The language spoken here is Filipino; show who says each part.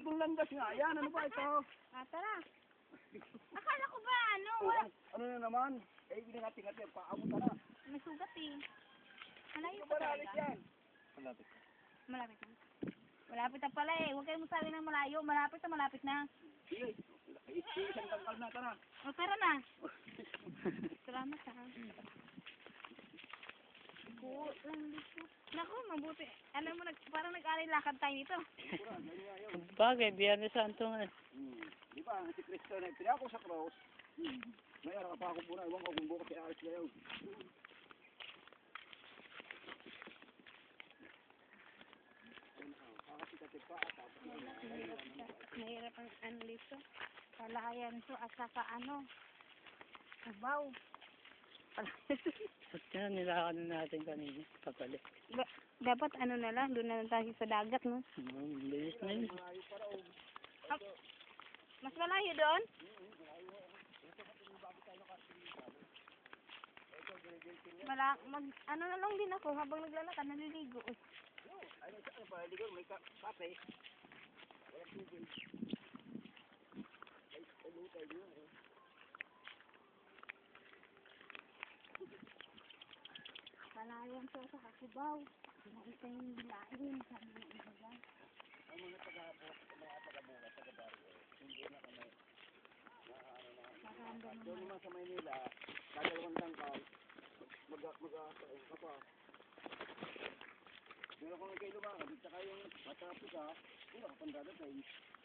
Speaker 1: itong landas nga. Yan, ano ba ito?
Speaker 2: Tara. Akala ko ba, ano? Wala.
Speaker 1: Ano na naman? Eh, binangating-ating. Paabot ka na.
Speaker 2: May sugat eh. Malayo
Speaker 1: Ano
Speaker 2: pa
Speaker 1: ba nalit
Speaker 2: talaga.
Speaker 1: yan? Malapit.
Speaker 2: Malapit na. Malapit na pala eh. Huwag kayo masabi ng malayo. Malapit na, malapit na.
Speaker 1: Sige. Isang tangkal na ka na.
Speaker 2: O, tara na. Salamat ha. Cool. Naku, mabuti. Alam mo, parang nag-aral lakad tayo nito.
Speaker 3: Bagay, Biyernes Santo nga.
Speaker 1: Di ba, si Cristo na pinako sa cross. May araw pa ako muna. Iwan ko kung bukas ay alis kayo.
Speaker 2: Mahirap ang ano dito. Palayan to at saka ano. Sabaw.
Speaker 3: At yan, nilakad na natin kanina. Papalik.
Speaker 2: Dapat ano na lang, doon na lang tayo sa dagat, no?
Speaker 3: Bilis na yun.
Speaker 2: Mas malayo doon? Ano na lang din ako habang naglalakad, naliligo.
Speaker 1: Ano sa pa, ligo may kape. Wala tubig. Ay, ano tayo yun eh.
Speaker 2: Palayan to sa Kasibaw. Nakita yung bilahin, sabi ng iba dyan.
Speaker 1: Ang mga taga-bukas, taga-barrio, hindi na kami doon naman sa Maynila, dadalawang tangkal, mag-asain ka pa. Meron kong kayo lumakad, at saka yung matapos wala ka pang dadating.